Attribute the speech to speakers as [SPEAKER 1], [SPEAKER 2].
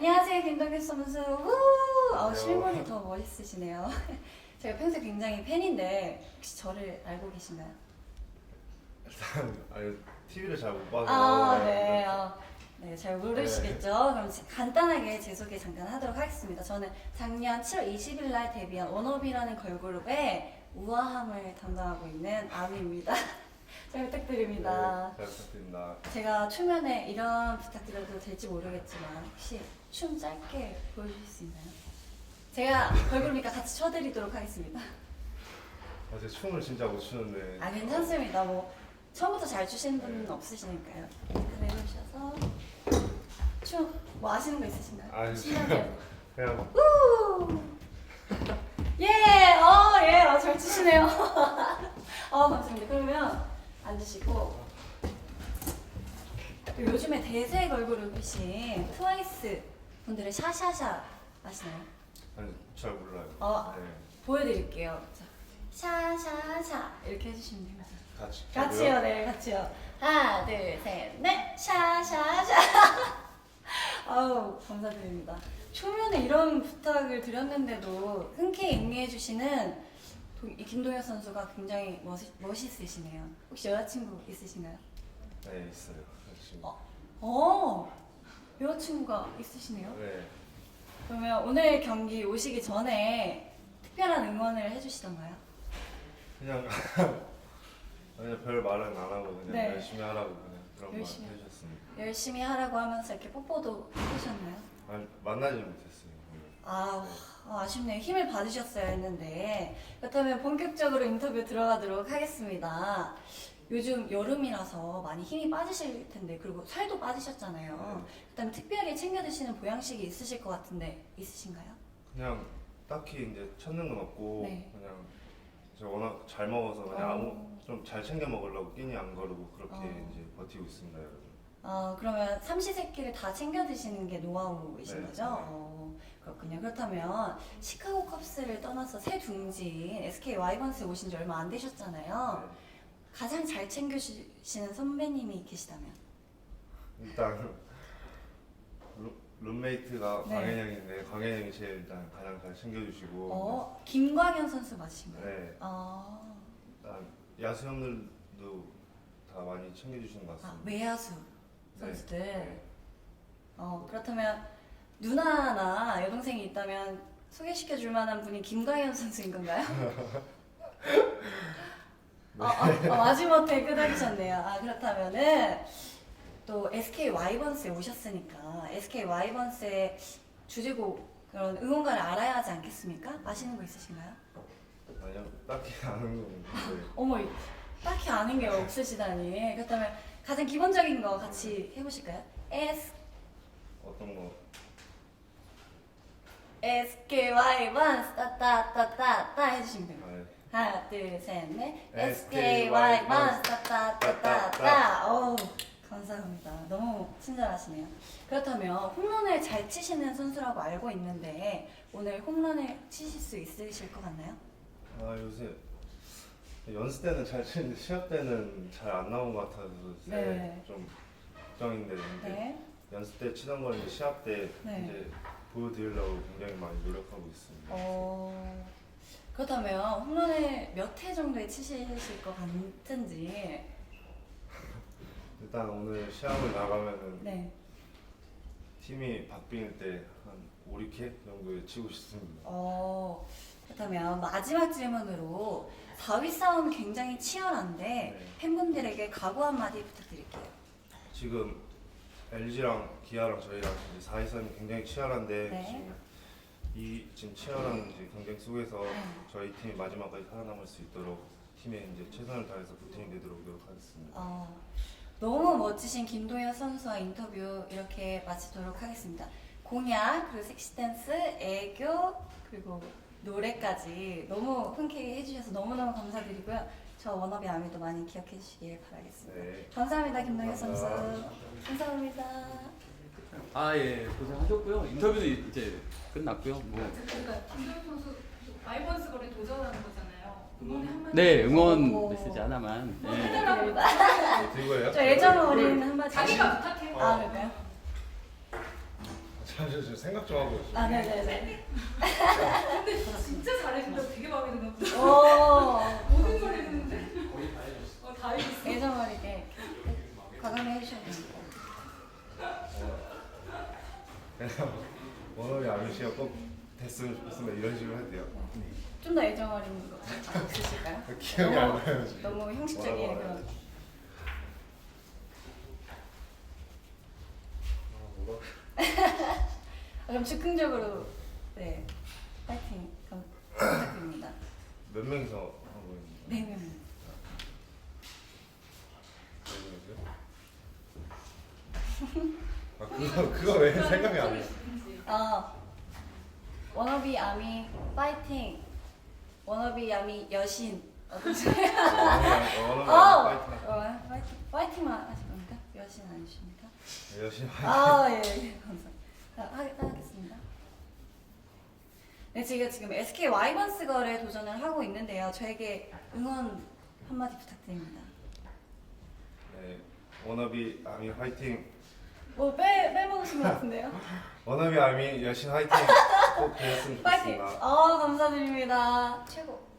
[SPEAKER 1] 안녕하세요, 김동규 선수. 실물이 더 멋있으시네요. 제가 평소에 굉장히 팬인데 혹시 저를 알고 계신가요?
[SPEAKER 2] 일단 아니 TV를 잘 못 봐서.
[SPEAKER 1] 네. 네, 잘 모르시겠죠? 그럼 간단하게 제 소개 잠깐 하도록 하겠습니다. 저는 작년 7월 20일 날 데뷔한 워너비라는 걸그룹의 우아함을 담당하고 있는 아미입니다. 잘 부탁드립니다.
[SPEAKER 2] 네, 잘 부탁드립니다.
[SPEAKER 1] 제가 초면에 이런 부탁드려도 될지 모르겠지만 혹시 춤 짧게 보여주실 수 있나요? 제가 걸그룹이니까 같이 춰드리도록 하겠습니다.
[SPEAKER 2] 제가 춤을 진짜 못 추는데.
[SPEAKER 1] 괜찮습니다. 뭐 처음부터 잘 추시는 분은 없으시니까요. 내려오셔서 춤 뭐 아시는 거 있으신가요?
[SPEAKER 2] 아니,
[SPEAKER 1] 신나게.
[SPEAKER 2] 그냥
[SPEAKER 1] 예, 잘 추시네요. 감사합니다. 그러면 앉으시고 요즘에 대세 걸그룹이신 트와이스 분들의 샤샤샤 아시나요?
[SPEAKER 2] 아니 잘 몰라요. 네.
[SPEAKER 1] 보여드릴게요. 자, 샤샤샤 이렇게 해주시면 됩니다.
[SPEAKER 2] 같이요?
[SPEAKER 1] 네, 같이요. 하나, 둘, 셋, 넷, 샤샤샤. 아우, 감사드립니다. 초면에 이런 부탁을 드렸는데도 흔쾌히 응해주시는 이 김동현 선수가 굉장히 멋있으시네요. 혹시 여자친구 있으신가요?
[SPEAKER 2] 네, 있어요. 지금.
[SPEAKER 1] 여자친구가 있으시네요.
[SPEAKER 2] 네.
[SPEAKER 1] 그러면 오늘 경기 오시기 전에 특별한 응원을 해주시던가요?
[SPEAKER 2] 그냥 별 말은 안 하고 그냥
[SPEAKER 1] 네.
[SPEAKER 2] 열심히 하라고 그냥 그런 말
[SPEAKER 1] 열심히.
[SPEAKER 2] 해주셨습니다.
[SPEAKER 1] 열심히 하라고 하면서 이렇게 뽀뽀도 해주셨나요?
[SPEAKER 2] 아니, 만나지 못했어요. 오늘.
[SPEAKER 1] 아쉽네요. 힘을 받으셨어야 했는데. 그렇다면 본격적으로 인터뷰 들어가도록 하겠습니다. 요즘 여름이라서 많이 힘이 빠지실 텐데, 그리고 살도 빠지셨잖아요. 그다음에 특별히 챙겨 드시는 보양식이 있으실 것 같은데 있으신가요?
[SPEAKER 2] 그냥 딱히 이제 찾는 건 없고
[SPEAKER 1] 네.
[SPEAKER 2] 그냥 제가 워낙 잘 먹어서 그냥 좀 잘 챙겨 먹으려고 끼니 안 거르고 그렇게 이제 버티고 있습니다, 여러분.
[SPEAKER 1] 그러면 삼시세끼를 다 챙겨 드시는 게 노하우이신
[SPEAKER 2] 네.
[SPEAKER 1] 거죠? 그렇군요. 그렇다면 시카고 컵스를 떠나서 새 둥지인 SK 와이번스에 오신 지 얼마 안 되셨잖아요. 가장 잘 챙겨주시는 선배님이 계시다면?
[SPEAKER 2] 일단 룸메이트가
[SPEAKER 1] 네.
[SPEAKER 2] 광현형인데 광현형이 제일 일단 가장 잘 챙겨주시고.
[SPEAKER 1] 김광현 선수 맞으신가요?
[SPEAKER 2] 네. 일단 야수 형들도 다 많이 챙겨주시는 것 같습니다.
[SPEAKER 1] 외야수 선수들.
[SPEAKER 2] 네.
[SPEAKER 1] 그렇다면 누나나 여동생이 있다면 소개시켜 줄 만한 분이 김광현 선수인 건가요? 마지못해 끄덕이셨네요. 그렇다면은 또 SK 와이번스에 오셨으니까 SK 와이번스의 주제곡 그런 응원가를 알아야 하지 않겠습니까? 아시는 거 있으신가요?
[SPEAKER 2] 아니요, 딱히 아는 건 없는데.
[SPEAKER 1] 딱히 아는 게 없으시다니. 그렇다면 가장 기본적인 거 같이 해보실까요?
[SPEAKER 2] 어떤 거?
[SPEAKER 1] SK 와이번스 따따따따따 해주시면 됩니다.
[SPEAKER 2] 네.
[SPEAKER 1] 하나, 둘, 셋, 넷.
[SPEAKER 2] SK
[SPEAKER 1] SKY
[SPEAKER 2] 와이번스
[SPEAKER 1] 따따따따따. 어우, 감사합니다. 너무 친절하시네요. 그렇다면 홈런을 잘 치시는 선수라고 알고 있는데 오늘 홈런을 치실 수 있으실 것 같나요?
[SPEAKER 2] 요새 연습 때는 잘 치는데 시합 때는 잘 안 나온 것 같아서
[SPEAKER 1] 네.
[SPEAKER 2] 좀 걱정인데
[SPEAKER 1] 네.
[SPEAKER 2] 연습 때 치던 걸 이제 시합 때
[SPEAKER 1] 네.
[SPEAKER 2] 이제 보여드리려고 굉장히 많이 노력하고 있습니다.
[SPEAKER 1] 그렇다면 홈런을 몇 회 정도에 치실 것 같은지.
[SPEAKER 2] 일단 오늘 시합을 나가면은
[SPEAKER 1] 네.
[SPEAKER 2] 팀이 바뀔 때 한 5, 6회 정도에 치고 싶습니다.
[SPEAKER 1] 그렇다면 마지막 질문으로 4위 싸움 굉장히 치열한데
[SPEAKER 2] 네.
[SPEAKER 1] 팬분들에게 각오 한마디 부탁드릴게요.
[SPEAKER 2] 지금 LG랑 기아랑 저희랑 이제 4위 싸움이 굉장히 치열한데
[SPEAKER 1] 네.
[SPEAKER 2] 지금 치열한 이제 경쟁 속에서
[SPEAKER 1] 네.
[SPEAKER 2] 저희 팀이 마지막까지 살아남을 수 있도록 팀에 이제 최선을 다해서 보탬이 되도록 노력하겠습니다.
[SPEAKER 1] 너무 멋지신 김도현 선수와 인터뷰 이렇게 마치도록 하겠습니다. 공약, 그리고 섹시 댄스, 애교, 그리고 노래까지 너무 흔쾌히 해주셔서 너무너무 감사드리고요. 저 워너비 아미도 많이 기억해 주시길 바라겠습니다.
[SPEAKER 2] 네.
[SPEAKER 1] 감사합니다, 김도현 선수.
[SPEAKER 2] 감사합니다.
[SPEAKER 1] 감사합니다.
[SPEAKER 3] 예, 고생하셨고요. 인터뷰도 이제 끝났고요.
[SPEAKER 4] 그러니까 김도현 선수 와이번스 거래 도전하는 거잖아요. 응원의 한마디.
[SPEAKER 3] 네, 응원 메시지 하나만. 네.
[SPEAKER 1] 해드립니다.
[SPEAKER 2] 들고요?
[SPEAKER 1] 저 애정 어린 한마디.
[SPEAKER 4] 자기가 부탁해요.
[SPEAKER 1] 그럴까요?
[SPEAKER 2] 잠시만요. 생각 좀 하고 있어요.
[SPEAKER 1] 아, 네네네.
[SPEAKER 4] 근데 진짜 잘해준다고 되게 마음에 드나 보다.
[SPEAKER 1] 오.
[SPEAKER 4] 모든 걸 했는데.
[SPEAKER 3] 거의 다 해줬어.
[SPEAKER 4] 다 해줬어.
[SPEAKER 1] 예전 어리게 과감히 해주셔야 됩니다.
[SPEAKER 2] 원어비 아저씨가 꼭 됐으면 좋겠으면 이런 식으로 해도 돼요.
[SPEAKER 1] 좀 더 애정 어린 거 있으실까요?
[SPEAKER 2] 기억이 안 나요 지금.
[SPEAKER 1] 너무 형식적인
[SPEAKER 2] 뭐라고
[SPEAKER 1] 그런.
[SPEAKER 2] 말해야지? 뭐라고?
[SPEAKER 1] 그럼 즉흥적으로 네 파이팅 부탁드립니다.
[SPEAKER 2] 몇 명이서 하고 있는
[SPEAKER 1] 네 명.
[SPEAKER 2] 거예요? 그거 왜 생각이 안 나?
[SPEAKER 1] 워너비 아미 파이팅. 워너비 아미 여신. 어떠세요?
[SPEAKER 2] 원어비 파이팅.
[SPEAKER 1] 파이팅. 파이팅만 하실 겁니까? 여신 아니십니까?
[SPEAKER 2] 열심히 파이팅.
[SPEAKER 1] 아 예, 감사합니다. 하겠습니다. 네, 제가 지금 SK 와이번스 걸에 도전을 하고 있는데요. 저에게 응원 한마디 부탁드립니다.
[SPEAKER 2] 네, 워너비 아미 화이팅.
[SPEAKER 1] 뭐 빼먹으신 것 같은데요?
[SPEAKER 2] 워너비 아미 여신 화이팅. 꼭 되었으면
[SPEAKER 1] 파이팅!
[SPEAKER 2] 좋겠습니다.
[SPEAKER 1] 감사드립니다. 최고.